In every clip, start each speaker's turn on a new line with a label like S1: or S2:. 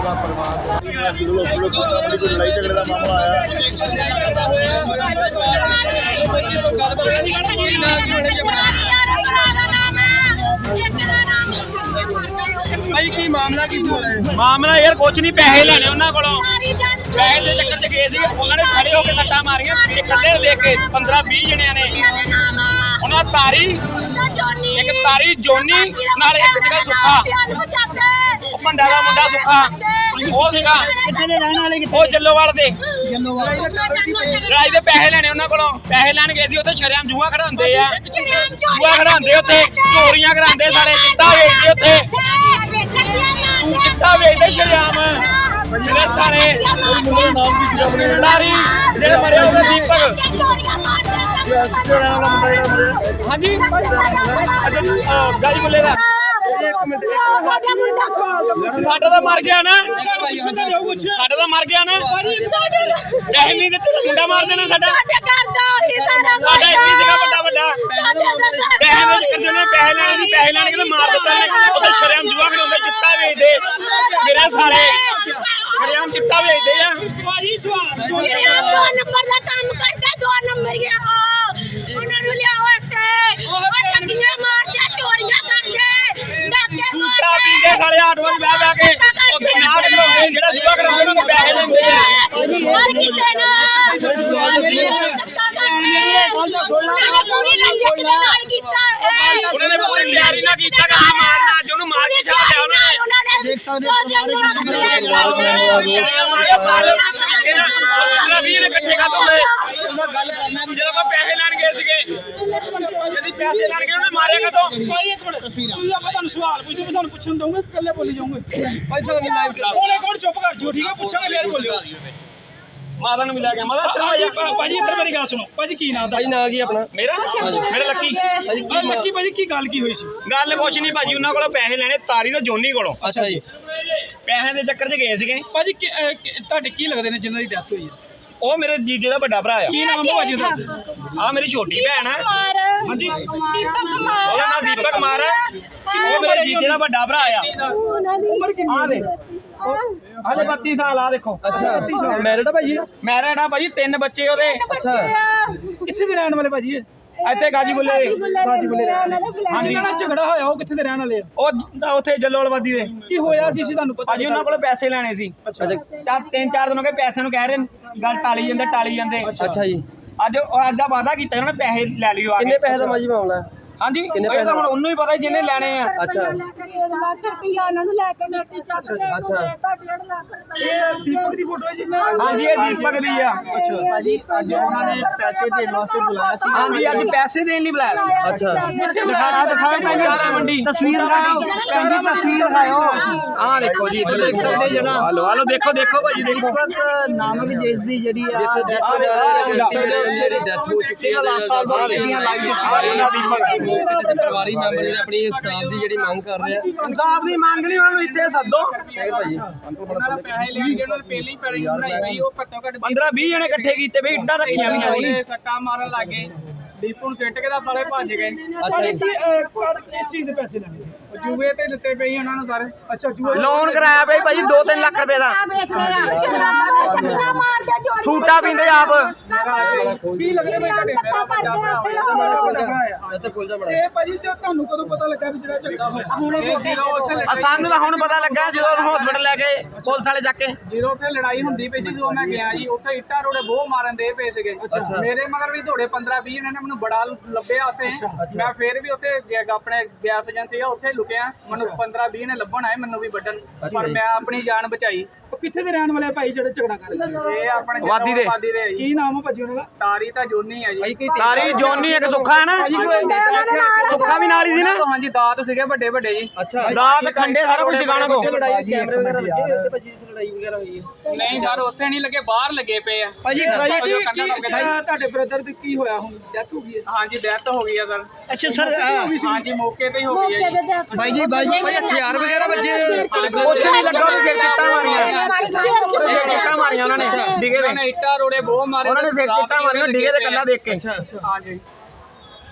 S1: ਉਹਦਾ ਪਰਿਵਾਰ ਅਸੀਂ ਲੋਕ ਕੋਈ ਲੜਾਈ ਝਗੜੇ ਦਾ ਮਾਮਲਾ ਆਇਆ
S2: ਭਾਈ ਕੀ ਮਾਮਲਾ ਕੀ ਸੀ?
S3: ਮਾਮਲਾ ਯਾਰ ਕੁਝ ਨਹੀਂ, ਪੈਸੇ ਲੈਣੇ ਉਹਨਾਂ ਕੋਲੋਂ। ਪੈਸੇ ਦੇ ਚੱਕਰ 'ਚ ਗਏ ਸੀ, ਉਹਨਾਂ ਨੇ ਖੜੇ ਹੋ ਕੇ ਸੱਟਾਂ ਮਾਰੀਆਂ ਇਕੱਲੇ ਲੈ ਕੇ 15-20 ਜਣਿਆਂ ਨੇ। ਉਹਨਾਂ ਤਾਰੀ ਇੱਕ ਤਾਰੀ ਜੋਨੀ ਨਾਲ ਇੱਕ ਸੀਗਾ ਸੁੱਖਾ, ਭੰਡਾ ਦਾ ਮੁੰਡਾ ਸੁੱਖਾ ਉਹ ਸੀਗਾ।
S1: ਕਿੱਥੇ ਦੇ ਰਹਿਣ ਵਾਲੇ?
S3: ਉਹ ਜੱਲੋਵਾਲ ਦੇ।
S1: ਜੱਲੋਵਾਲ
S3: ਰਾਜ ਦੇ ਪੈਸੇ ਲੈਣੇ ਉਹਨਾਂ ਕੋਲੋਂ। ਪੈਸੇ ਲੈਣ ਗਏ ਸੀ, ਉੱਥੇ ਸ਼ਰੇਆਮ ਜੂਆ ਖੜਾਉਂਦੇ ਆ, ਜੂਆ ਖੜਾਉਂਦੇ ਉੱਥੇ, ਚੋਰੀਆਂ ਕਰਾਉਂਦੇ ਸਾਰੇ, ਚਿੱਟਾ ਵੇਚਦੇ ਉੱਥੇ, ਚਿੱਟਾ ਵੇਚਦੇ ਸ਼ਰੇਆਮ ਜਿਹੜੇ ਸਾਰੇ ਲਾਰੀ ਜਿਹੜੇ ਮਰੇ ਉਹਦੇ ਦੀਪਕ। ਹਾਂਜੀ ਗਾੜੀ ਬੋਲੇ ਦਾ ਸਾਡਾ ਤਾਂ ਮਰ ਗਿਆ ਨਾ, ਸਾਡਾ ਤਾਂ ਮਰ ਗਿਆ ਨਾ। ਪੈਸੇ ਨਹੀਂ ਦਿੱਤੇ ਤਾਂ ਮੁੰਡਾ ਮਾਰ ਦੇਣਾ ਸਾਡਾ। ਸਾਡਾ ਇੱਥੇ ਸੀਗਾ ਵੱਡਾ ਵੱਡਾ ਪੈਸੇ ਦੇ ਚੱਕਰ ਦੇ ਪੈਸੇ ਲੈਣੇ ਸੀ, ਪੈਸੇ ਲੈਣ ਕੇ ਮਾਰ ਦਿੱਤਾ। ਉਹਦੇ ਸ਼ਰੇਆਮ ਜੂਆ ਖੜਾਉਂਦੇ, ਚਿੱਟਾ ਵੇਚਦੇ ਮੇਰੇ ਸਾਰੇ, ਸ਼ਰੇਆਮ ਚਿੱਟਾ ਵੇਚਦੇ ਆ।
S4: ਨੰਬਰ ਦਾ ਕੰਮ ਕਰਦਾ 2 ਨੰਬਰ ਗਿਆ ਉਹਨਾਂ ਨੂੰ ਲਿਆਓ ਇੱਥੇ। ਉਹ ਠੱਗੀਆਂ ਮਾਰਦੇ, ਚੋਰੀਆਂ ਕਰਦੇ, ਡਾਕੇ
S3: ਚੂਟਾ ਪੀਂਦੇ ਸਾਲੇ ਆਟੋਆਂ 'ਚ ਬਹਿ ਬਹਿ ਕੇ ਉੱਥੇ ਨਾਟ ਲਾਉਂਦੇ, ਜਿਹੜਾ ਜੂਆ ਖੜਾਉਂਦੇ ਉਹਨਾਂ ਨੂੰ ਪੈਸੇ ਲੈਂਦੇ ਆ।
S4: ਹਰ ਕਿਸੇ ਨਾਲ
S3: ਉਹਨਾਂ ਨੇ ਪੂਰੀ ਤਿਆਰੀ ਨਾਲ ਕੀਤਾ ਕੰਮ ਮਾਰਨਾ, ਅੱਜ ਉਹਨੂੰ ਮਾਰ ਕੇ ਛੱਡ ਲਿਆ ਉਹਨਾਂ ਨੇ।
S1: ਦੇਖ ਸਕਦੇ
S3: ਇਕੱਠੇ ਕਰ ਦੋਗੇ ਗੱਲ ਕਰਨਾ ਵੀ ਜਦੋਂ ਪੈਸੇ ਲੈਣ ਗਏ ਸੀਗੇ, ਜਿਹੜੀ ਪੈਸੇ ਲੈਣ ਗਏ ਉਹਨੇ ਮਾਰਿਆ ਕਦੋਂ?
S2: ਭਾਈ ਇੱਕ ਮਿੰਟ, ਤੁਸੀਂ ਆਪਾਂ ਤੁਹਾਨੂੰ ਸਵਾਲ ਪੁੱਛਦੇ, ਤੁਹਾਨੂੰ ਪੁੱਛਣ ਦਊਂਗੇ, ਇਕੱਲੇ ਬੋਲੀ ਜਾਓਗੇ। ਭਾਈ ਸਾਹਿਬ ਨਹੀਂ ਲਾਈਵ ਕਰ ਉਹਨੇ ਕੋਲ ਚੁੱਪ ਕਰ ਜਿਓ, ਠੀਕ ਹੈ? ਪੁੱਛਾਂਗੇ ਫੇਰ ਬੋਲਿਓ।
S3: ਮਾਤਾ ਨੂੰ ਮਿਲਿਆ ਗਿਆ ਮਾਤਾ
S2: ਭਾਜੀ ਇੱਧਰ ਮੇਰੀ ਗੱਲ ਸੁਣੋ। ਭਾਜੀ ਕੀ ਨਾਮ ਦਾ?
S5: ਭਾਜੀ ਨਾਂ ਕੀ ਆਪਣਾ?
S3: ਮੇਰਾ ਲੱਕੀ।
S2: ਲੱਕੀ ਭਾਜੀ ਕੀ ਗੱਲ ਕੀ ਹੋਈ ਸੀ?
S3: ਗੱਲ ਕੁਛ ਨਹੀਂ ਭਾਜੀ, ਉਹਨਾਂ ਕੋਲੋਂ ਪੈਸੇ ਲੈਣੇ ਤਾਰੀ ਤੇ ਜੋਨੀ ਕੋਲੋਂ।
S5: ਅੱਛਾ ਜੀ।
S3: ਪੈਸੇ ਦੇ ਚੱਕਰ 'ਚ ਗਏ ਸੀਗੇ।
S2: ਭਾਜੀ ਤੁਹਾਡੇ ਕੀ ਲੱਗਦੇ ਨੇ ਜਿਨ੍ਹਾਂ ਦੀ ਡੈਥ ਹੋਈ ਹੈ?
S3: ਉਹ ਮੇਰੇ ਜੀਜੇ ਦਾ ਵੱਡਾ ਭਰਾ ਆ।
S2: ਕੀ ਨਾਮ ਹੈ ਭਾਜੀ ਉਹਦਾ?
S3: ਆ ਮੇਰੀ ਛੋਟੀ ਭੈਣ ਆ।
S4: ਹਾਂਜੀ
S3: ਉਹਦਾ ਨਾਮ ਦੀਪਕ ਕੁਮਾਰ ਹੈ। ਉਹ ਮੇਰੇ ਜੀਜੇ ਦਾ ਵੱਡਾ ਭਰਾ ਆ।
S2: ਉਮਰ ਕਿੰਨੀ
S3: ਆ ਦੇ ਹਾਲੇ 32 ਸਾਲ ਆ ਦੇਖੋ।
S5: ਅੱਛਾ ਮੈਰਿਡ ਆ ਭਾਜੀ?
S3: ਮੈਰਿਡ ਆ ਭਾਜੀ, 3 ਬੱਚੇ ਉਹਦੇ।
S5: ਅੱਛਾ
S2: ਕਿੱਥੇ ਦੇ ਰਹਿਣ ਵਾਲੇ ਭਾਜੀ ਇਹ?
S3: ਇੱਥੇ ਗਾਜੀਗੁੱਲੇ ਦੇ।
S2: ਗਾਜੀਗੁੱਲੇ ਰਹਿਣ ਵਾਲੇ। ਹਾਂਜੀ ਜਿਹੜਾ ਝਗੜਾ ਹੋਇਆ ਉਹ ਕਿੱਥੇ ਦੇ ਰਹਿਣ ਵਾਲੇ ਆ?
S3: ਉਹ ਉੱਥੇ ਜੱਲੋਵਾਲਵਾਦੀ ਦੇ।
S2: ਕੀ ਹੋਇਆ ਕੀ ਸੀ ਤੁਹਾਨੂੰ ਪਤਾ?
S3: ਭਾਜੀ ਉਹਨਾਂ ਕੋਲ ਪੈਸੇ ਲੈਣੇ ਸੀ।
S2: ਅੱਛਾ
S3: 3-4 ਦਿਨ ਹੋ ਗਏ ਪੈਸੇ ਨੂੰ ਕਹਿ ਰਹੇ ਗੱਲ ਟਾਲੀ ਜਾਂਦੇ।
S5: ਅੱਛਾ ਜੀ।
S3: ਅੱਜ ਦਾ ਵਾਅਦਾ ਕੀਤਾ ਉਹਨਾਂ ਨੇ ਪੈਸੇ ਲੈ ਲਿਓ ਆ ਕੇ।
S5: ਕਿੰਨੇ ਪੈਸੇ ਦਾ ਮਾਜੀ ਮਾਮਲਾ ਹੈ?
S3: ਹਾਂਜੀ ਇਹ ਤਾਂ ਹੁਣ ਉਹਨੂੰ ਹੀ ਪਤਾ ਜਿਹਨੇ ਲੈਣੇ ਆ।
S5: ਅੱਛਾ
S2: ਇਹ ਦੀਪਕ ਦੀ ਫੋਟੋ ਹੈ ਜੀ?
S3: ਹਾਂਜੀ ਇਹ ਦੀਪਕ ਦੀ ਆ।
S2: ਅੱਛਾ
S1: ਭਾਜੀ ਅੱਜ ਉਹਨਾਂ ਨੇ ਪੈਸੇ ਦੇਣ ਵਾਸਤੇ ਬੁਲਾਇਆ ਸੀ।
S3: ਹਾਂਜੀ ਅੱਜ ਪੈਸੇ ਦੇਣ ਲਈ ਬੁਲਾਇਆ ਸੀ।
S5: ਅੱਛਾ
S2: ਕਿੱਥੇ
S1: ਦਿਖਾਓ
S3: ਸਾਰਾ ਮੰਡੀ
S1: ਤਸਵੀਰ ਦਿਖਾਓ, ਕਹਿੰਦੀ ਤਸਵੀਰ ਦਿਖਾਓ।
S3: ਆਹ ਦੇਖੋ ਜੀ ਇੱਧਰ ਦੇਖ ਸਕਦੇ ਜਣਾ। ਹਲੋ ਦੇਖੋ ਭਾਜੀ ਦੇਖੋ।
S1: ਦੀਪਕ ਨਾਮਕ ਜਿਸ ਦੀ ਜਿਹੜੀ ਆ
S5: ਜਿਹੜੀ ਡੈਥ ਹੋ ਚੁੱਕੀ ਹੈ, ਪਰਿਵਾਰੀ ਮੈਂਬਰ ਜਿਹੜੇ ਆਪਣੀ ਇਨਸਾਫ ਦੀ ਜਿਹੜੀ ਮੰਗ ਕਰ ਰਹੇ ਆ।
S3: ਇਨਸਾਫ ਦੀ ਮੰਗ ਲਈ ਉਹਨਾਂ ਨੂੰ ਇੱਥੇ ਸੱਦੋ।
S5: ਠੀਕ ਹੈ ਭਾਜੀ।
S2: ਪੈਸੇ ਲੈਣ ਗਏ ਉਹਨਾਂ ਨੇ ਪਹਿਲੀ ਪੈੜੀ ਬਣਾਈ ਗਈ, ਉਹ ਘੱਟੋ ਘੱਟ
S3: 15-20 ਜਣੇ ਇਕੱਠੇ ਕੀਤੇ ਬਈ ਇੱਟਾਂ ਰੱਖੀਆਂ ਵੀਆਂ ਜੀ।
S2: ਸੱਟਾਂ ਮਾਰਨ ਲੱਗੇ, ਦੀਪੂ ਨੂੰ ਸਿੱਟ ਕੇ ਤਾਂ ਸਾਲੇ ਭੱਜ ਗਏ।
S5: ਅੱਛਾ ਜੀ।
S2: ਕਿਸ ਚੀਜ਼ ਦੇ ਪੈਸੇ ਲੈਣੇ ਸੀ? ਜੂਏ ਤੇ ਦਿੱਤੇ ਪਈ ਉਹਨਾਂ ਨੂੰ ਸਾਰੇ। ਅੱਛਾ ਜੂਏ
S3: ਲੋਨ ਕਰਾਇਆ ਬਈ ਭਾਜੀ 2-3 ਲੱਖ ਰੁਪਏ ਦਾ। ਛੂਟਾ ਪੀਂਦੇ ਆਪ।
S2: ਕੀ ਲੱਗਦੇ ਬਈ ਤੁਹਾਡੇ?
S5: ਇੱਥੇ ਖੁੱਲ ਜਾ ਬੜਾ।
S2: ਇਹ ਭਾਜੀ ਜੋ ਤੁਹਾਨੂੰ ਕਦੋਂ ਪਤਾ ਲੱਗਾ ਵੀ ਜਿਹੜਾ ਝਗੜਾ ਹੋਇਆ?
S3: ਸਾਨੂੰ ਤਾਂ ਹੁਣ ਪਤਾ ਲੱਗਾ ਜਦੋਂ ਉਹਨੂੰ ਹਸਪੀਟਲ ਲੈ ਗਏ ਪੁਲਿਸ ਵਾਲੇ ਜਾ ਕੇ।
S6: ਜਦੋਂ ਉੱਥੇ ਲੜਾਈ ਹੁੰਦੀ ਪਈ ਸੀ, ਜਦੋਂ ਮੈਂ ਗਿਆ ਜੀ, ਉੱਥੇ ਇੱਟਾਂ ਰੋੜੇ ਬਹੁਤ ਮਾਰਨ ਦੇ ਪਏ ਸੀਗੇ। ਮੇਰੇ ਮਗਰ ਵੀ ਦੌੜੇ 15-20 ਜਣੇ ਨੇ, ਮੈਨੂੰ ਬੜਾ ਲੱਭਿਆ ਉੱਥੇ। ਮੈਂ ਫੇਰ ਵੀ ਉੱਥੇ ਆਪਣੇ ਗੈਸ ਏਜੰਸੀ ਆ ਉੱਥੇ ਲੁਕਿਆ। ਮੈਨੂੰ 15-20 ਨੇ ਲੱਭਣ ਆਏ, ਮੈਨੂੰ ਵੀ ਵੱਢਣ, ਪਰ ਮੈਂ ਆਪਣੀ ਜਾਨ ਬਚਾਈ।
S2: ਉਹ ਕਿੱਥੇ ਦੇ ਰਹਿਣ ਵਾਲੇ ਆ ਭਾਈ ਜਿਹੜੇ ਝਗੜਾ ਕਰ ਰਹੇ ਸੀ?
S6: ਇਹ ਆਪਣੇ
S3: ਵਾਦੀ ਦੇ।
S6: ਵਾਦੀ ਦੇ ਆ ਜੀ।
S2: ਕੀ ਨਾਮ ਆ ਭਾਜੀ ਉਹਨਾਂ ਦਾ?
S6: ਤਾਰੀ ਤਾਂ ਜੋਨੀ ਆ ਜੀ।
S3: ਤਾਰੀ ਜੋਨੀ ਇੱਕ ਸੁੱਖਾ ਹੈ ਨਾ, ਸੁੱਖਾ ਵੀ ਨਾਲ ਹੀ ਸੀ ਨਾ।
S6: ਹਾਂਜੀ ਦਾਤ ਸੀਗੇ ਵੱਡੇ ਵੱਡੇ ਜੀ।
S5: ਅੱਛਾ
S3: ਦਾਤ ਖੰਡੇ ਸਾਰਾ ਕੁਝ ਸਿਖਾਣਾ ਕੋ।
S5: ਲੜਾਈ ਕੈਮਰੇ ਵਗੈਰਾ ਲੱਗੇ ਹੋਏ ਉੱਥੇ ਭਾਜੀ? ਲੜਾਈ ਵਗੈਰਾ ਹੋਈ ਹੈ?
S6: ਨਹੀਂ ਸਰ ਉੱਥੇ ਨਹੀਂ ਲੱਗੇ, ਬਾਹਰ ਲੱਗੇ ਪਏ ਆ।
S2: ਭਾਜੀ ਤੁਹਾਡੇ ਬ੍ਰਦਰ ਦੀ ਕੀ ਹੋਇਆ? ਹੁਣ ਡੈਥ ਹੋ ਗਈ ਹੈ?
S6: ਹਾਂਜੀ ਡੈਥ ਹੋ ਗਈ ਆ ਸਰ।
S1: ਅੱਛਾ ਸਰ
S6: ਹਾਂਜੀ ਮੌਕੇ ਤੇ ਹੀ ਹੋ ਗਈ ਹੈ ਜੀ।
S1: ਭਾਈ ਜੀ
S5: ਹਥਿਆਰ ਵਗੈਰਾ ਬੱਚੇ
S3: ਉੱਥੇ ਨਹੀਂ ਲੱਗਾ, ਉਹਨੇ ਸਿਰ ਚਿੱਟਾਂ ਮਾਰੀਆਂ। ਸਿਰ ਚਿੱਟਾਂ ਮਾਰੀਆਂ ਉਹਨਾਂ ਨੇ ਡਿਗੇ
S6: ਉਹਨਾਂ
S3: ਦੇ।
S6: ਨੇ ਇੱਟਾਂ ਰੋੜੇ ਬਹੁਤ ਮਾਰੇ।
S3: ਉਹਨਾਂ ਨੇ ਸਿਰ ਚਿੱਟਾਂ ਮਾਰੀਆਂ ਡਿਗੇ ਦੇ ਕੱਲਾ ਦੇਖ ਕੇ।
S6: ਹਾਂਜੀ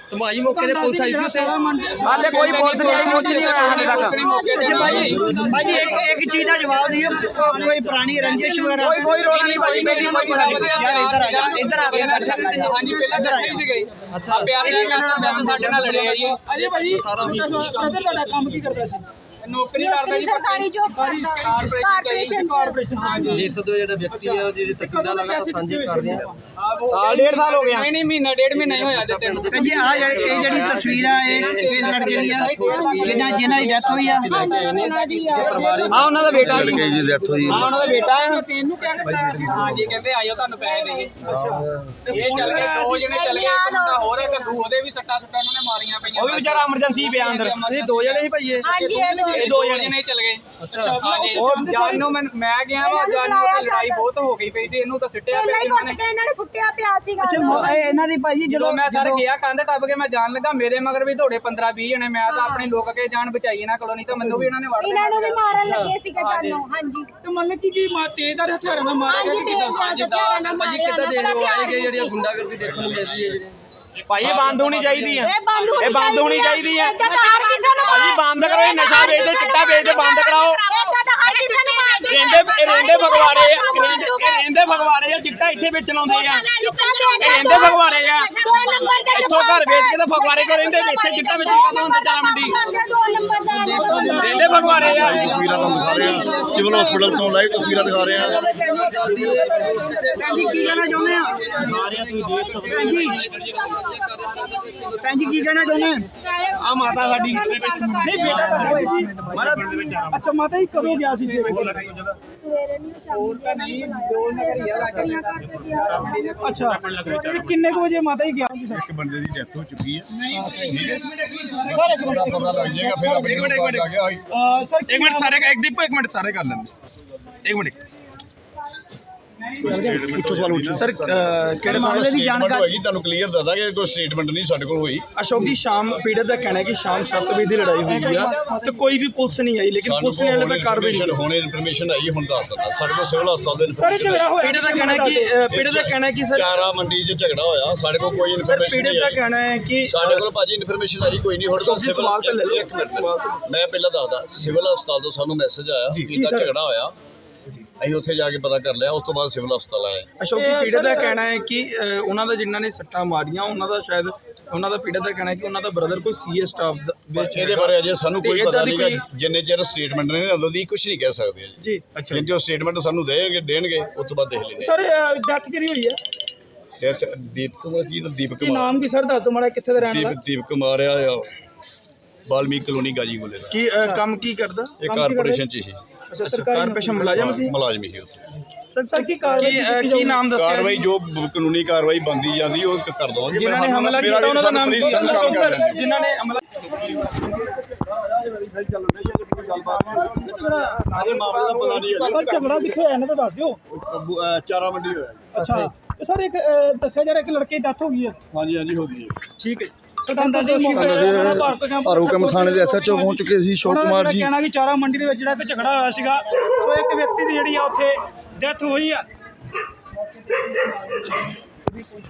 S5: ਧਮਾਈ ਮੌਕੇ ਤੇ ਪੁਲਿਸ ਆਈ ਸੀ ਉੱਥੇ
S2: ਹਾਲੇ ਕੋਈ ਪੁਲਿਸ ਨਹੀਂ ਆਈ, ਕੁਝ ਨਹੀਂ ਹੋਇਆ ਹਾਲੇ ਤੱਕ।
S7: ਭਾਜੀ ਇੱਕ ਚੀਜ਼ ਦਾ ਜਵਾਬ ਦਿਓ, ਕੋਈ ਪੁਰਾਣੀ ਰੰਜਿਸ਼ ਵਗੈਰਾ?
S2: ਕੋਈ ਰੋਲਾ ਨਹੀਂ ਭਾਜੀ, ਕੋਈ
S7: ਯਾਰ ਇੱਧਰ ਆ ਜਾ, ਇੱਧਰ ਆ ਕੇ
S6: ਹਾਂਜੀ ਪਹਿਲਾਂ ਤਾਂ ਨਹੀਂ ਸੀਗੇ ਅੱਛਾ ਪਿਆਰ ਨਾਲ ਸਾਡੇ ਨਾਲ ਲੜਿਆ ਜੀ
S2: ਅਜੇ ਭਾਜੀ ਤੁਹਾਡਾ ਕੰਮ ਕੀ ਕਰਦਾ ਸੀ?
S6: ਨੌਕਰੀ ਕਰਦਾ ਜੀ
S4: ਸਰਕਾਰੀ ਜੋਬ ਕਰਦਾ
S2: ਕਾਰਪੋਰੇਸ਼ਨ ਚ
S5: ਦੇਖ ਸਕਦੇ ਹੋ ਜਿਹੜਾ ਵਿਅਕਤੀ ਹੈ ਉਹਦੀ ਤਸਵੀਰਾਂ ਲਗਾਤਾਰ ਸਾਂਝੀ ਕਰ ਰਹੇ ਹਾਂ।
S2: ਸਾਲ ਡੇਢ ਸਾਲ ਹੋ ਗਿਆ।
S6: ਨਹੀਂ ਮਹੀਨਾ ਡੇਢ ਮਹੀਨਾ ਹੀ ਹੋਇਆ ਤੇ
S7: ਜੀ ਆ ਜਿਹੜੀ ਤਸਵੀਰ ਆ ਇਹ ਲੜਕੇ ਦੀ ਆ ਜਿਹਨਾਂ ਦੀ ਡੈਥ ਹੋਈ ਆ।
S2: ਹਾਂ ਉਹਨਾਂ ਦਾ ਬੇਟਾ
S1: ਲੜਕੇ ਦੀ ਡੈਥ ਹੋਈ
S2: ਹਾਂ ਉਹਨਾਂ ਦਾ ਬੇਟਾ ਹੈ। ਤੈਨੂੰ ਕਿਹਾ ਕੀਤਾ ਸੀ?
S6: ਹਾਂਜੀ ਕਹਿੰਦੇ ਆਇਓ ਤੁਹਾਨੂੰ ਪੈਸੇ ਦੇਗੇ
S2: ਅੱਛਾ
S6: ਇਹ ਚੱਲ ਗਏ ਦੋ ਜਣੇ ਚੱਲ ਗਏ ਇੱਕ ਮੁੰਡਾ ਹੋਰ ਹੈ ਕੱਦੂ ਉਹਦੇ ਵੀ ਸੱਟਾਂ ਉਹਨਾਂ ਨੇ ਮਾਰੀਆਂ ਪਈਆਂ
S2: ਉਹ ਵੀ ਵਿਚਾਰਾ ਐਮਰਜੈਂਸੀ ਪਿਆ ਅੰਦਰ।
S5: ਇਹ ਦੋ ਜਣੇ ਸੀ ਭਾਈ ਇਹ
S4: ਹਾਂਜੀ
S2: ਇਹ ਦੋ ਜਣੇ
S6: ਜਣੇ ਚੱਲ ਗਏ
S5: ਅੱਛਾ
S6: ਹਾਂਜੀ ਜਾਨ ਨੂੰ ਮੈਂ ਗਿਆ ਵਾ ਜਾਨ ਨੂੰ ਤੇ ਲੜਾਈ ਬਹੁਤ ਹੋ ਗਈ ਪਈ ਸੀ ਇਹਨੂੰ ਤਾਂ ਸਿੱਟਿਆ ਪਿਆ ਇਹਨਾਂ ਨੇ
S4: ਇਹਨਾਂ ਨੇ ਸੁੱਟਿਆ ਪਿਆ ਸੀਗਾ
S7: ਇਹਨਾਂ ਦੀ ਭਾਜੀ
S6: ਜਦੋਂ ਮੈਂ ਸਰ ਗਿਆ ਕੰਧ ਟੱਪ ਕੇ ਮੈਂ ਜਾਣ ਲੱਗਾ ਮੇਰੇ ਮਗਰ ਵੀ ਦੌੜੇ 15-20 ਜਣੇ ਮੈਂ ਤਾਂ ਆਪਣੇ ਲੋਕ ਕੇ ਜਾਨ ਬਚਾਈ ਇਹਨਾਂ ਕੋਲੋਂ ਨਹੀਂ ਤਾਂ ਮੈਨੂੰ ਵੀ ਇਹਨਾਂ ਨੇ ਵੜ
S4: ਇਹਨਾਂ ਨੂੰ ਵੀ ਮਾਰਨ ਲੱਗੇ ਸੀਗੇ ਜਾਨੋਂ ਹਾਂਜੀ
S2: ਤੇ ਮਤਲਬ ਕਿ ਤੇਜ਼ਦਾਰ ਹਥਿਆਰਾਂ ਨਾਲ ਮਾਰਿਆ ਗਿਆ ਕਿ ਕਿਦਾਂ?
S5: ਭਾਜੀ ਕਿੱਦਾਂ ਦੇਖ ਰਹੇ ਹੋ ਆਏਗੇ ਜਿਹੜੀਆਂ ਗੁੰਡਾਗਰਦੀ ਦੇਖਣ ਨੂੰ ਮਿਲ ਰਹੀ ਹੈ ਜਿਹੜੀ
S2: ਭਾਈ ਇਹ ਬੰਦ ਹੋਣੀ ਚਾਹੀਦੀ ਹੈ। ਇਹ ਬੰਦ ਹੋਣੀ ਚਾਹੀਦੀ ਹੈ।
S4: ਭਾਜੀ
S2: ਬੰਦ ਕਰੋ, ਇਹ ਨਸ਼ਾ ਵੇਚਦੇ ਚਿੱਟਾ ਵੇਚਦੇ ਬੰਦ ਕਰਾਓ। ਰਹਿੰਦੇ ਫਗਵਾੜੇ ਆ, ਰਹਿੰਦੇ ਫਗਵਾੜੇ ਆ, ਚਿੱਟਾ ਇੱਥੇ ਵੇਚਣ ਆਉਂਦੇ ਆ। ਰਹਿੰਦੇ ਫਗਵਾੜੇ ਆ, ਇੱਥੋਂ ਘਰ ਵੇਚ ਕੇ ਤਾਂ ਫਗਵਾੜੇ ਕੋ ਰਹਿੰਦੇ ਇੱਥੇ ਚਿੱਟਾ ਵੇਚਣ ਕਦੋਂ ਹੁੰਦੇ ਚਾਰਾ ਮੰਡੀ। ਰਹਿੰਦੇ ਫਗਵਾੜੇ ਆ।
S1: ਤਸਵੀਰਾਂ ਤੁਹਾਨੂੰ ਦਿਖਾ ਰਹੇ ਹਾਂ ਸਿਵਲ ਹਸਪੀਟਲ ਤੋਂ ਲਾਈਵ ਤਸਵੀਰਾਂ ਦਿਖਾ ਰਹੇ ਹਾਂ।
S7: ਭੈਣ ਜੀ ਕੀ ਕਹਿਣਾ ਚਾਹੁੰਦੇ ਆ? ਭੈਣ ਜੀ ਕੀ ਕਹਿਣਾ ਚਾਹੁੰਦੇ ਆ?
S2: ਆ ਮਾਤਾ ਸਾਡੀ ਨਹੀਂ ਬੇਟਾ ਤੁਹਾਡਾ ਸੀ ਜੀ ਮਹਾਰਾਜ। ਅੱਛਾ ਮਾਤਾ ਜੀ ਕਦੋਂ ਗਿਆ ਸੀ ਸੇਵੇ ਕੋਲ? ਅੱਛਾ ਤੇ ਕਿੰਨੇ ਕੁ ਵਜੇ ਮਾਤਾ ਜੀ ਗਿਆ?
S1: ਇੱਕ ਬੰਦੇ ਦੀ ਡੈਥ ਹੋ ਚੁੱਕੀ ਹੈ।
S2: ਸਰ ਇੱਕ
S1: ਪਤਾ ਲੱਗ ਜਾਏਗਾ ਫਿਰ ਆਪਣੇ ਕੋਲ ਆ ਗਿਆ ਹੋਈ।
S2: ਸਰ
S8: एक मिनट सारे एक दीपो एक मिनट सारे कर लेंगे एक मिनट
S2: ਸਰ ਕਿਹੜੇ
S7: ਮਾਮਲੇ ਦੀ ਜਾਣਕਾਰੀ
S1: ਹੋਏਗੀ ਤੁਹਾਨੂੰ ਕਲੀਅਰ ਦੱਸਦਾ ਕਿ ਕੋਈ ਸਟੇਟਮੈਂਟ ਨਹੀਂ ਸਾਡੇ ਕੋਲ ਹੋਈ।
S2: ਅਸ਼ੋਕ ਜੀ ਸ਼ਾਮ ਪੀੜਤ ਦਾ ਕਹਿਣਾ ਹੈ ਕਿ ਸ਼ਾਮ 7 ਵਜੇ ਦੀ ਲੜਾਈ ਹੋਈ ਆ ਤੇ ਕੋਈ ਵੀ ਪੁਲਿਸ ਨਹੀਂ ਆਈ ਲੇਕਿਨ ਪੁਲਿਸ ਨੇ ਹਲੇ ਤੱਕ ਕਾਰਵਾਈ ਨਹੀਂ
S1: ਹੁਣ ਇਨਫੋਰਮੇਸ਼ਨ ਆਈ ਹੁਣ ਦੱਸ ਦਿੰਦਾ ਸਾਡੇ ਕੋਲ ਸਿਵਲ ਹਸਪਤਾਲ ਦੇ
S2: ਸਰ ਇਹ ਝਗੜਾ ਹੋਇਆ ਪੀੜਤ ਦਾ ਕਹਿਣਾ ਹੈ ਕਿ ਸਰ
S1: ਚਾਰਾ ਮੰਡੀ 'ਚ ਝਗੜਾ ਹੋਇਆ ਸਾਡੇ ਕੋਲ ਕੋਈ
S2: ਸਰ
S1: ਇਨਫੋਰਮੇਸ਼ਨ
S2: ਪੀੜਤ
S1: ਨਹੀਂ
S2: ਦਾ
S1: ਆਈ।
S2: ਕਹਿਣਾ ਹੈ ਕਿ
S1: ਸਾਡੇ ਕੋਲ ਭਾਜੀ ਇਨਫੋਰਮੇਸ਼ਨ ਆਈ ਕੋਈ ਨਹੀਂ ਹੁਣ
S2: ਜੀ, ਸਵਾਲ ਤਾਂ ਲੈ ਲਓ।
S1: ਇੱਕ ਮਿੰਟ ਮੈਂ ਪਹਿਲਾਂ ਦੱਸਦਾ ਸਿਵਲ ਹਸਪਤਾਲ ਤੋਂ ਸਾਨੂੰ ਮੈਸੇਜ ਆਇਆ
S2: ਜੀ,
S1: ਕਿ
S2: ਸਰ।
S1: ਝਗੜਾ ਹੋਇਆ ਅਸੀਂ ਉੱਥੇ ਜਾ ਕੇ ਪਤਾ ਕਰ ਲਿਆ ਉਸ ਤੋਂ ਬਾਅਦ ਸਿਵਲ ਹਸਪਤਾਲ ਆਏ।
S2: ਅਸ਼ੋਕ ਜੀ ਪੀੜਤ ਦਾ ਕਹਿਣਾ ਹੈ ਕਿ ਉਹਨਾਂ ਦਾ ਜਿਨ੍ਹਾਂ ਨੇ ਸੱਟਾਂ ਮਾਰੀਆਂ ਉਹਨਾਂ ਦਾ ਸ਼ਾਇਦ ਉਹਨਾਂ ਦਾ ਪੀੜਤ ਦਾ ਕਹਿਣਾ ਹੈ ਕਿ ਉਹਨਾਂ ਦਾ ਬ੍ਰਦਰ ਕੋਈ ਸੀਐਸ ਸਟਾਫ ਵਿੱਚ
S1: ਇਹਦੇ ਬਾਰੇ ਅਜੇ ਸਾਨੂੰ ਕੋਈ
S2: ਤੇ
S1: ਪਤਾ
S2: ਏਦਾਂ ਦੀ
S1: ਨਹੀਂਗਾ ਜਿੰਨੇ ਚਿਰ ਸਟੇਟਮੈਂਟ ਨੇ ਉਦੋਂ ਦੀ ਕੁਝ ਨਹੀਂ ਕਹਿ ਸਕਦੇ ਜੀ।
S2: ਜੀ ਅੱਛਾ
S1: ਜਿੰਨੇ ਉਹ ਸਟੇਟਮੈਂਟ ਸਾਨੂੰ ਦੇਣਗੇ ਉਸ ਤੋਂ ਬਾਅਦ ਦੇਖ ਲੈਂਦੇ।
S2: ਸਰ ਡੈਥ ਕਿਹਦੀ ਹੋਈ ਹੈ?
S1: ਦੀਪਕ ਕੁਮਾਰ ਦੀਪਕ
S2: ਕੀ
S1: ਕੁਮਾਰ
S2: ਨਾਮ ਕੀ ਸਰ ਦੱਸ ਦਿਓ ਮਾੜਾ ਕਿੱਥੇ ਦਾ ਰਹਿਣ ਵਾਲਾ?
S1: ਦੀਪਕ ਕੁਮਾਰ ਆ ਬਾਲਮੀਕ ਕਲੋਨੀ ਗਾਜੀਪੁਰੇ ਦਾ।
S2: ਕੀ ਕੰਮ ਕੀ ਕਰਦਾ?
S1: ਇਹ ਕਾਰਪੋਰੇਸ਼ਨ ਚ ਹੀ
S2: ਅੱਛਾ ਕਾਰਪੋਰੇਸ਼ਨ ਮੁਲਾਜ਼ਮ ਸੀ।
S1: ਮੁਲਾਜ਼ਮ ਹੀ ਉੱਥੇ
S2: ਸਰ ਕੀ ਕਾਰਵਾਈ ਕੀ ਨਾਮ ਦੱਸਿਆ?
S1: ਕਾਰਵਾਈ ਜੋ ਕਾਨੂੰਨੀ ਕਾਰਵਾਈ ਬੰਦੀ ਜਾਂਦੀ ਉਹ ਕਰ ਦਵਾਂਗੇ।
S2: ਜਿਨ੍ਹਾਂ ਨੇ ਹਮਲਾ ਕੀਤਾ ਉਹਨਾਂ ਦਾ ਨਾਮ ਕੀ ਹੈ? ਅਸ਼ੋਕ ਸਰ ਜਿਨ੍ਹਾਂ ਨੇ ਹਮਲਾ
S1: ਸਾਰੇ ਮਾਮਲੇ ਦਾ ਪਤਾ ਨਹੀਂ
S2: ਸਰ ਝਗੜਾ ਕਿੱਥੇ ਹੋਇਆ ਇਹਨਾਂ ਦਾ ਦੱਸ ਦਿਓ।
S1: ਚਾਰਾ ਮੰਡੀ ਹੋਇਆ।
S2: ਅੱਛਾ ਸਰ ਇੱਕ ਦੱਸਿਆ ਜਾ ਰਿਹਾ ਕਿ ਲੜਕੇ ਦੀ ਡੈਥ ਹੋ ਗਈ ਹੈ।
S1: ਹਾਂਜੀ ਹਾਂਜੀ ਹੋ ਗਈ ਹੈ।
S2: ਠੀਕ ਹੈ ਸਟੰਡਾ ਦੇ
S1: ਭਾਰੂਕਮ ਥਾਣੇ ਦੇ ਐਸਐਚਓ ਪਹੁੰਚ ਚੁੱਕੇ ਸੀ ਅਸ਼ੋਕ ਕੁਮਾਰ ਜੀ।
S2: ਕਹਿਣਾ ਕਿ ਚਾਰਾ ਮੰਡੀ ਦੇ ਵਿੱਚ ਜਿਹੜਾ ਕਿ ਝਗੜਾ ਹੋਇਆ ਸੀਗਾ ਸੋ ਇੱਕ ਵਿਅਕਤੀ ਦੀ ਜਿਹੜੀ ਆ ਉੱਥੇ ਡੈਥ ਹੋਈ ਆ।